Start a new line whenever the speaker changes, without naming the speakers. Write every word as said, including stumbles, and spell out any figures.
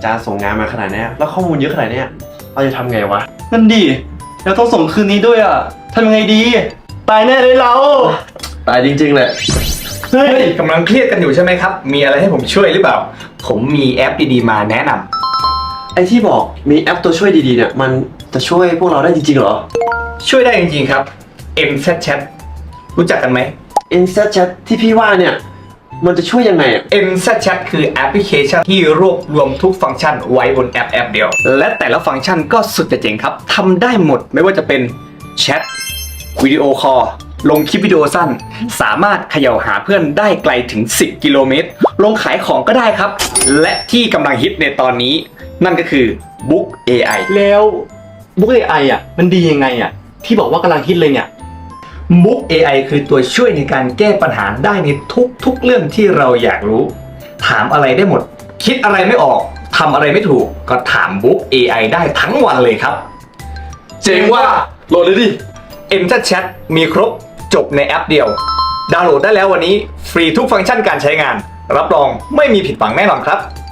จารย์ส่งงานมาขนาดนี้แล้วข้อมูลเยอะขนาดนี้เราจะทำไงวะ
นั่นดิเราต้องส่งคืนนี้ด้วยอ่ะทำยังไงดีตายแน่เลยเรา
ตายจริงๆแหละ
เฮ้ย
กำลังเครียดกันอยู่ใช่ไหมครับมีอะไรให้ผมช่วยหรือเปล่าผมมีแอปดีๆมาแนะนำ
ไอ้ที่บอกมีแอปตัวช่วยดีๆเนี่ยมันจะช่วยพวกเราได้จริงๆเหรอ
ช่วยได้จริงๆครับ เอ็ม แซด Chat รู้จักกันไหม
เอ็ม แซด Chat ที่พี่ว่าเนี่ยมันจะช่วยยังไงอ่ะ
เอ็ม แซด Chat คือแอปพลิเคชันที่รวบรวมทุกฟังก์ชันไว้บนแอปแอปเดียวและแต่ละฟังก์ชันก็สุดจะเจ๋งครับทำได้หมดไม่ว่าจะเป็นแชทวิดีโอคอลลงคลิปวิดีโอสั้นสามารถเขย่าหาเพื่อนได้ไกลถึงสิบกิโลเมตรลงขายของก็ได้ครับและที่กำลังฮิตในตอนนี้นั่นก็คือ Book เอ ไอ
แล้วบุ๊ก เอ ไอ อ่ะมันดียังไงอ่ะที่บอกว่ากำลังฮิตเลยเนี่ย
Book เอ ไอ คือตัวช่วยในการแก้ปัญหาได้ในทุกๆเรื่องที่เราอยากรู้ถามอะไรได้หมดคิดอะไรไม่ออกทำอะไรไม่ถูกก็ถาม Book เอ ไอ ได้ทั้งวันเลยครับ
เจ๋งว่าโหลดเลยดิ
เอ็ม แซด Chat มีครบจบในแอปเดียวดาวน์โหลดได้แล้ววันนี้ฟรีทุกฟังก์ชันการใช้งานรับรองไม่มีผิดหวังแน่นอนครับ